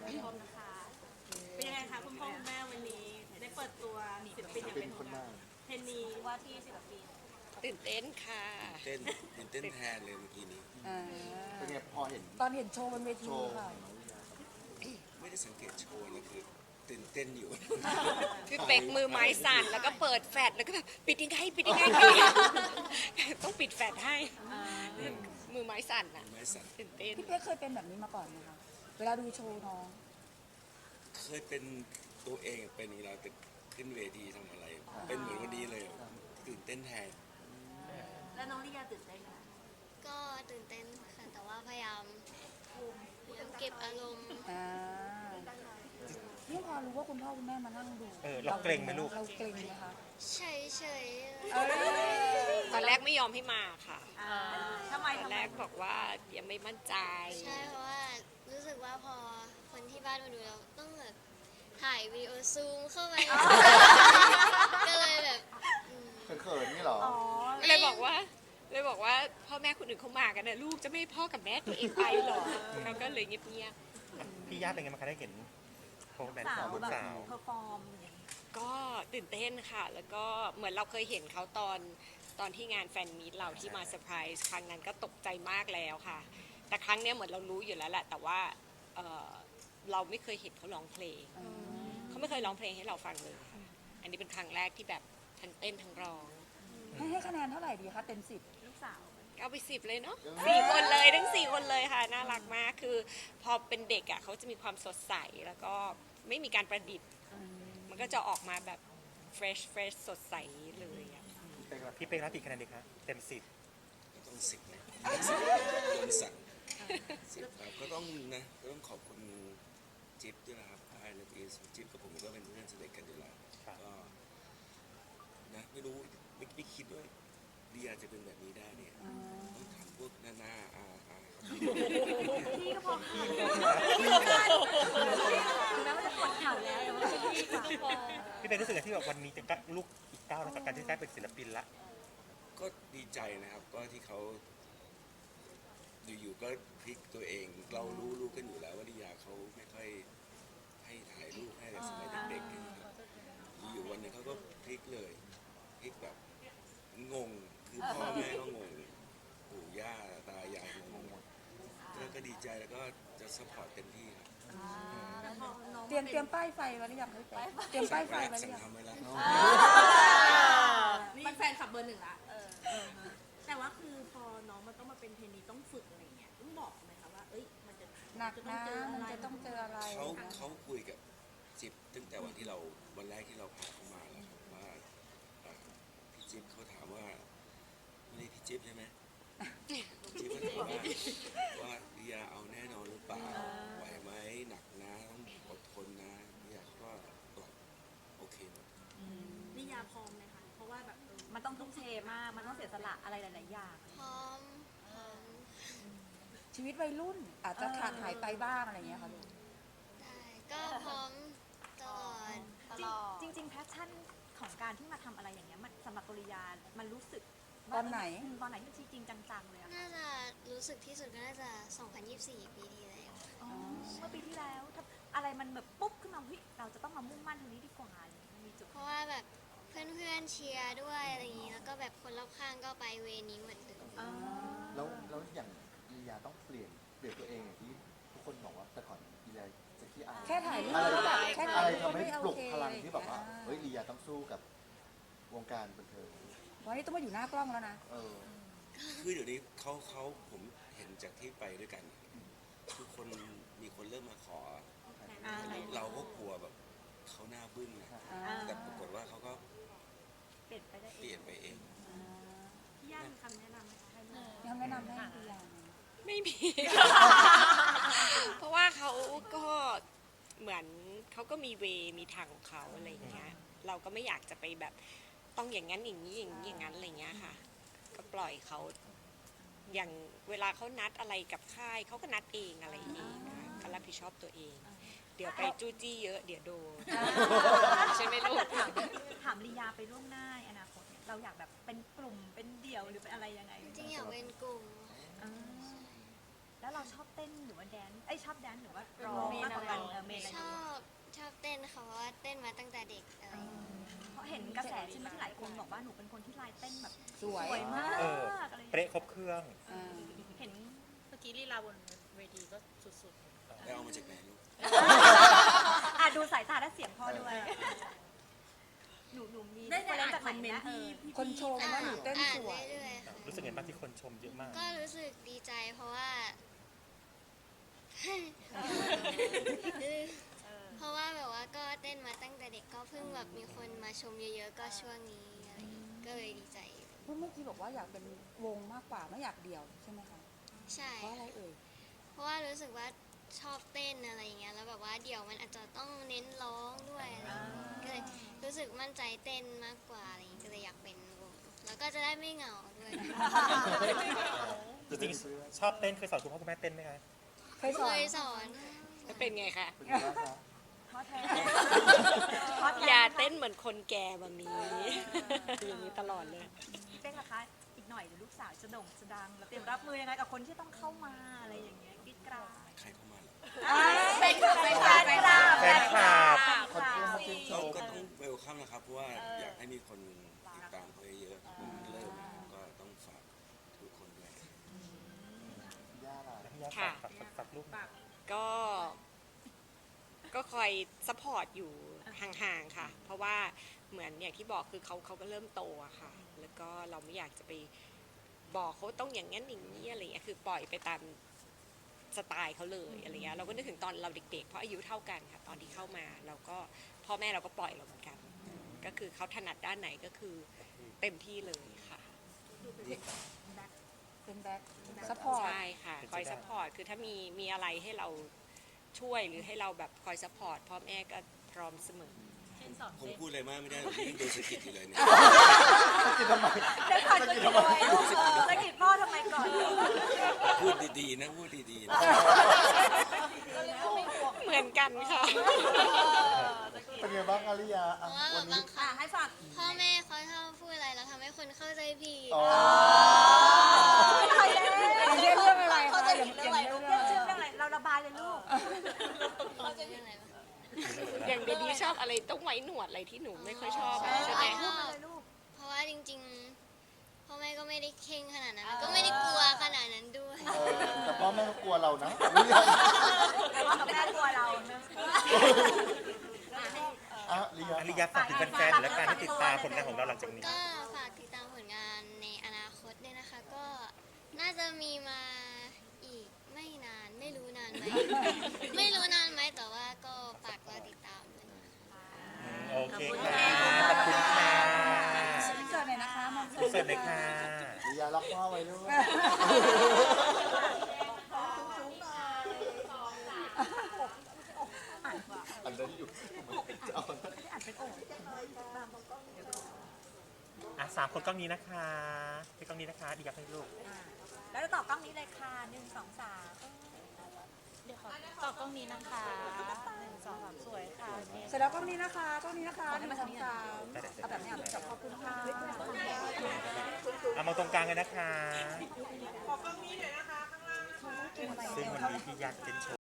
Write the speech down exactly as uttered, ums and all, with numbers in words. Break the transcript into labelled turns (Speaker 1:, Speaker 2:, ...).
Speaker 1: ผู้ชมนะคะเป็นยังไงคะคุณพ่อคุณแม่วันนี้ได้เปิดตัวศิลปินอย่างเป็นทางการเทนนีว่าที่ศิลปิน
Speaker 2: ตื่นเต้นค่ะ
Speaker 3: เต้นตื่นเต้นแทนเลยเมื่อกี้นี้
Speaker 4: เป็นไงพอเห็น
Speaker 5: ตอนเห็นโชว์บนเวทีค่ะ
Speaker 3: ไม่ได้สังเกตโชว์นะคือตื่นเต้นอยู่
Speaker 2: คือเป็กมือไม้สั่นแล้วก็เปิดแฟลชแล้วก็แบบปิดยังไงปิดยังไงปิดยังไงต้องปิดแฟลชให้มือไม้สั่นอ่ะ
Speaker 3: ไม้สั่น
Speaker 2: ตื่นเต้น
Speaker 5: พี่เป๊กเคยเป็นแบบนี้มาก่อนไหมคะเวลาดูโชว์น้อง
Speaker 3: เคยเป็นตัวเองเป็นเวลาขึ้นเวทีทำอะไรเป็นเหมือนวันนี้เลยตื่นเต้นแทน
Speaker 1: แล้วน้องลิยาตื่นเต้นไหม
Speaker 6: ก็ตื่นเต้นค่ะแต่ว่าพยายามพยายามเก็บอารมณ์
Speaker 5: อ่านี่พอรู้ว่าคุณพ่อคุณแม่มานั่งดู
Speaker 4: เออเราเกรงไหมลูก
Speaker 5: เราเกรงไหมคะ
Speaker 6: เฉยเฉย
Speaker 2: ตอนแรกไม่ยอมให้มาค่ะ
Speaker 1: ทำไม
Speaker 2: ตอนแรกบอกว่ายังไม่มั่นใจ
Speaker 6: ใช่เพราะว่ารู้สึกว่าพอคนที่บ้านมาดูเราต้องแบบถ่ายวีดีโอซูมเข้าไปก็เลยแบบ
Speaker 4: เขินๆนี่หรอ
Speaker 2: เลยบอกว่าเลยบอกว่าพ่อแม่คนอื่นเขามากันนะลูกจะไม่ให้พ่อกับแม่ตัวเองไปหรอเขาก็เลยเงียบ
Speaker 4: ๆพี่ย่าเป็นไงมาคะได้เห็นโพสต์แบบสาว
Speaker 1: แบบเพอร์ฟอร์ม
Speaker 2: ก็ตื่นเต้นค่ะแล้วก็เหมือนเราเคยเห็นเขาตอนตอนที่งานแฟนมีตเราที่มาเซอร์ไพรส์ครั้งนั้นก็ตกใจมากแล้วค่ะแต่ครั้งนี้เหมือนเรารู้อยู่แล้วแหละแต่ว่าเราไม่เคยเห็นเขาร้องเพลงเขาไม่เคยร้องเพลงให้เราฟังเลยค่ะอันนี้เป็นครั้งแรกที่แบบทั้งเต้นทั้งร้อง
Speaker 5: ให้ให้คะแนนเท่าไหร่ดีคะเต็มสิบ
Speaker 1: ลูกสาว
Speaker 2: เอาไปสิบเลยเนาะสี่คนเลยทั้งสี่คนเลยค่ะน่ารักมากคือพอเป็นเด็กอ่ะเขาจะมีความสดใสแล้วก็ไม่มีการประดิษฐ์มันก็จะออกมาแบบ fresh fresh สดใสเลยอ่ะ
Speaker 4: พี่เป๊กรับกี่คะแนนดีคะเต็มสิบ
Speaker 3: ต้องสิบนะโดนสั่งสิบครับก็ต้องนะก็ต้องขอบคุณจิ๊บด้วยนะครับไอเลิฟอีสจิ๊บกับผมก็เป็นเพื่อนสนิทกันอยู่แล้วก็นะไม่รู้ไม่ไม่คิดว่าเดียจะเป็นแบบนี้ได้เนี่ยต้องทำพวกหน้าหน้าอาอา
Speaker 1: พี่ก็พอพี่ก็พอแล้วมันจะปวดเข่าแล้วพี่ก็พอ
Speaker 4: พี่เป็นรู้สึกที่แบบวันนี้จะลูกอีกก้าวในการที่ได้เป็นศิลปินละ
Speaker 3: ก็ดีใจนะครับก็ที่เขาอยู่ๆก็พลิกตัวเองเรารู้รู้กันอยู่แล้วว่าดิยาเขาไม่ค่อยให้ถ่ายรูปให้แต่สมัยเด็กๆนะครับอยู่วันนึงเขาก็พลิกเลยพลิกแบบงงคือพ่อแม่ก็งงปู่ย่าตายายงงก็ดีใจแล้วก็จะซัพพอร์ตเต็มที่ครับ
Speaker 5: เตรียมเตรียมป้ายไฟไว้หรือยังพี่เป๊กเตรียมป้ายไฟไว้หรือยัง
Speaker 1: นี่แฟนขับเบอร์หนึ่งละแต่ว่าคือพอน้องมันต้องมาเป็นเทรนนีต้องฝึกอะไรเงี้ยต้องบอกไหมคะว่าเอ้ยมันจะ
Speaker 5: หนักนะมันจะต้องเจออะไร
Speaker 3: เขาเขาคุยกับจิ๊บตั้งแต่วันที่เราวันแรกที่เราพาเขามาแล้วว่าพี่จิ๊บเขาถามว่าไม่ได้พี่จิ๊บใช่ไหมจิ๊บเขาถามว่าว่าดิยาเอาแน่นอนหรือเปล่าไหวไหมหนักนะต้องอดทนนะดิยาเขาก็ตอบโอเคหมด
Speaker 1: ดิยาพร้อมไหมคะเพราะว่าแบบมันต้องทุ่มเทมากมันต้องเสียสละอะไรหลายๆอย่าง
Speaker 6: พร้อมพร้อม
Speaker 5: ชีวิตวัยรุ่นอาจจะขาดหายไปบ้างอะไรเงี้ยค่ะลูก
Speaker 6: ได้ก็พร้อมตลอด
Speaker 1: ตลอดจริงๆแพชชั่นของการที่มาทำอะไรอย่างเงี้ยมันสำหรับปริยามันรู้สึก
Speaker 5: ตอนไหน
Speaker 1: ตอนไหนที่จริงจังๆเลยอะ
Speaker 6: น่าจะรู้สึกที่สุดก็น่าจะสองพันยี่สิบสี่ปีที่แล้ว
Speaker 1: เมื่อปีที่แล้วอะไรมันแบบปุ๊บขึ้นมาเฮ้ยเราจะต้องมามุ่งมั่นตรงนี้ดีกว่ามีจุด
Speaker 6: เพราะว่าแบบเพื่อนๆเชียร์ด้วยอะไรอย่างนี้แล้วก็แบบคนรอบข้างก็ไปเวนี้เหมือนเดิม
Speaker 4: แล้วแล้วอย่างลียาต้องเปลี่ยนเปลี่ยนตัวเองอย่างที่ทุกคนบอกว่าแต่ก่อนลียาจะขี้อาย
Speaker 5: แค่ถ่ายรูป
Speaker 4: แบบ
Speaker 5: แค่
Speaker 4: อะไรทำให้ปลุกพลังที่แบบว่าเฮ้ยลียาต้องสู้กับวงการบันเทิง
Speaker 5: วันนี้ต้องมาอยู่หน้ากล้องแล้วนะ
Speaker 3: คือเดี๋ยวนี้เขาเขาผมเห็นจากที่ไปด้วยกันทุกคนมีคนเริ่มมาขอเราก็กลัวแบบเขาหน้าบึ้งนะแต่ปรากฏว่าเขาก็
Speaker 1: เปลี่ยนไปได้
Speaker 3: เปลี่ยนไปเอง
Speaker 1: พี่ย่ามีคำแนะนำไหมคะ
Speaker 5: ยังแนะนำให้พี่ย่า
Speaker 2: ไม่มีเพราะว่าเขาก็เหมือนเขาก็มีเวมีทางของเขาอะไรอย่างเงี้ยเราก็ไม่อยากจะไปแบบต้องอย่างนั้นอย่างนี้อย่างนี้อย่างนั้นอะไรเงี้ยค่ะก็ปล่อยเขาอย่างเวลาเขานัดอะไรกับค่ายเขาก็นัดเองอะไรเองก็รับผิดชอบตัวเองเดี๋ยวไปจู้จี้เยอะเดี๋ยวโดนใช่ไหมลูก
Speaker 1: ถามลียาไปล่วงหน้าอนาคตเนี่ยเราอยากแบบเป็นกลุ่มเป็นเดี่ยวหรือเป็นอะไรยังไง
Speaker 6: จริงๆอยากเป็นกลุ่ม
Speaker 1: แล้วเราชอบเต้นหรือว่า
Speaker 7: ว่าแดนซ์ไอยชอบแดนซ์หรือว่าร้องมากกว่ากันเออเมนอะไร
Speaker 6: ชอบชอบเต้นค่ะเพราะว่าเต้นมาตั้งแต่เด็กอะไรอย่างเงี้ย
Speaker 7: เพราะเห็นกระแสใช่ไหมที่หลายคนบอกว่าหนูเป็นคนที่ลายเต้นแบบ
Speaker 5: สวย
Speaker 7: สวยมาก
Speaker 8: เออ
Speaker 7: อะไรอย่าง
Speaker 8: เป๊ะ
Speaker 7: เงี้ย
Speaker 8: ครบเครื่อง
Speaker 5: อ่า
Speaker 7: เห็น
Speaker 9: เมื่อกี้ลีลาบนเวทีก็สุด
Speaker 3: ไปเอามาจากไหนลูก
Speaker 7: อ่ะดูสายตาและเสียงพ่อด้วยหนูหนูมี
Speaker 1: ได้ได้อ่าน
Speaker 7: จาก
Speaker 1: คอมเมนต์ที่พี่
Speaker 5: คนชมว่าหนูเต้น
Speaker 6: อ่าน
Speaker 5: สวย
Speaker 6: เรื่อยๆค่ะ
Speaker 8: รู้สึกไงบ้างที่คนชมเยอะมาก
Speaker 6: ก็รู้สึกดีใจเพราะว่า เพราะว่าแบบว่าก็เต้นมาตั้งแต่เด็กก็เพิ่งแบบมีคนมาชมเยอะๆก็ช่วงนี้อะไรอย่างงี้ก็เลยดีใจ
Speaker 5: เมื่อกี้บอกว่าอยากเป็นวงมากกว่าไม่อยากเดี่ยวใช่ไหมคะ
Speaker 6: ใช่
Speaker 5: เพราะอะไรเอ่ย
Speaker 6: เพราะว่ารู้สึกว่าชอบเต้นอะไรอย่างเงี้ยแล้วแบบว่าเดี๋ยวมันอาจจะต้องเน้นร้องด้วยอะไรอย่างเงี้ยก็เลยรู้สึกมั่นใจเต้นมากกว่าอะไรอย่างงี้ก็เลยอยากเป็นวงแล้วก็จะได้ไม่เหงาด้วย
Speaker 8: จริงๆชอบเต้นเคยสอนคุณพ่อคุณแม่เต้นไหมคะ
Speaker 5: เคยส
Speaker 6: เค
Speaker 5: อน
Speaker 6: ยสอน
Speaker 2: แล้วเป็นไงคะ
Speaker 4: เป็นยังไงบ้างคะ
Speaker 7: พ่อแท้
Speaker 2: อย่าเต้นเหมือนคนแก่แบบนี้ อย่างนี้ตลอดเลย
Speaker 7: เต้นนะคะอีกหน่อยเดี๋ยวลูกสาวจะโด่งจะดังแล้วเตรียมรับมือยังไงกับคนที่ต้องเข้ามาอะไรอย่างเงี้ยกรีดกราด
Speaker 3: ใครเข้ามาเหรอ
Speaker 7: เป็นเป็นแฟนคลับ
Speaker 8: แฟนคลับ
Speaker 4: คนที่มาชื่นช
Speaker 3: ก็
Speaker 4: ม
Speaker 3: ก็ต้องเวลคัมนะครับ เพราะว่าอยากให้มีคนติดตามเขาเยอะๆเริ่มก็ต้องฝากทุกคนด้วย
Speaker 4: ย่าล่ะ
Speaker 8: พี่ยา
Speaker 2: ค่ะ
Speaker 8: ฝากฝากฝากลูกหน่อย
Speaker 2: ก็ ก็คอยซัพพอร์ตอยู่ห่างๆค่ะ เพราะว่าเหมือนอย่างที่บอกคือเขาเขาก็เริ่มโตอะค่ะ แล้วก็เราไม่อยากจะไปบอกเขาต้องอย่างนั้นอย่างนี้อะไรเงี้ยคือปล่อยไปตามสไตล์เขาเลยอะไรเงี้ยเราก็นึกถึงตอนเราเด็กๆเพราะอายุเท่ากันค่ะ ตอนที่เข้ามาเราก็พ่อแม่เราก็ปล่อยเราเหมือนกัน ก็คือเขาถนัดด้านไหนก็คือเต็มที่เลยค่ะ
Speaker 5: เป็นแบ็คซัพพอร์ต
Speaker 2: ใช่ค่ะ คอยซัพพอร์ต คือถ้ามีมีอะไรให้เราช่วยหรือให้เราแบบคอยซัพพอร์ตพ่อแม่ก็พร้อมเสมอ
Speaker 9: ๆเช่นสอน
Speaker 3: ผม
Speaker 9: เต้น
Speaker 3: พูดอะไรมากไม่ได้หรอกพี่โดนสะกิดอยู่เลยเนี่ย
Speaker 4: กินทำไม
Speaker 7: เดี๋ยวก่อนจะกินอะไรลูกจะกินพ่อทำไมก่อน
Speaker 3: พูดดีๆนะพูดดีๆนะ
Speaker 2: เหมือนกันค่ะ
Speaker 4: เป็นไงบ้างอาริยา
Speaker 6: เพ
Speaker 4: อ่ะ
Speaker 6: ราะว่าแบ
Speaker 4: วัน
Speaker 6: บ
Speaker 4: นี้
Speaker 6: บางครั้ง
Speaker 1: ให้ฝาก
Speaker 6: พ่อแม่เขาชอบพูดอะไรแล้วทำให้คนเข้าใจผิด
Speaker 4: อ๋อ
Speaker 7: ใครเล่น
Speaker 5: อย่างเช่นเรื่องอะไรคะอย่างอย่างเรื่อง
Speaker 7: เรื่องชื่อเรื่องอะไรเราระบายเลยลูก
Speaker 6: เขาจะยังไงวะ
Speaker 2: อย่างเบบีชอบอะไรต้องไว้หนวดอะไรที่หนูไม่ค่อยชอบอะใช่ไหม
Speaker 6: ชอบเพราะว่าจริงๆพ่อแม่ก็ไม่ได้เข่งขนาดนั้นแล้วก็ไม่ได้กลัวขนาดนั้นด้วย
Speaker 4: เออแต่พ่อแม่ก็กลัวเรานะ
Speaker 7: แต่ว่าแม่กลัวเราเนอะ
Speaker 4: อ่ะริยา
Speaker 8: อาริยาฝากถึงแฟนๆและการที่ติดตามผลงานของเราหลังจากนี้
Speaker 6: ก็ฝากติดตามผลงานในอนาคตด้วยนะคะ ก็น่าจะมีมาอีกไม่นานไม่รู้นานไหม ไม่รู้นานไหมแต่ว่าก็ฝากรอติดตามด้วยนะคะ
Speaker 8: โอเคค่ะ ขอบคุณค่ะ
Speaker 5: อินเสิร์ตหน่อยนะคะมอง
Speaker 8: อินเสิร์ตเลยค่ะ
Speaker 4: ริยาล็อกพ่อไว้ด้วยอันนั้นอยู่จะเอา
Speaker 8: อ่ะสามคนกล้องนี้นะคะที่กล้องนี้นะคะดีกับให้ลูก
Speaker 7: แล้วจะตอบกล้องนี้เลยค่ะหนึ่งสองสาม
Speaker 9: เดี๋ยวขอตอบกล้องนี้นะคะหนึ่งสองสามสวยค่ะ
Speaker 5: เสร็จแล้วกล้องนี้นะคะกล้องนี้นะคะหนึ่งสองสามเอาแบบนี้เอาแบบขอบคุณค่ะ
Speaker 8: เอามาตรงกลางเลยนะคะ ขอกล้องนี้หน่อยนะคะ ข้างล่างซึ่งวันนี้พี่ยักษ์เป็นโชว์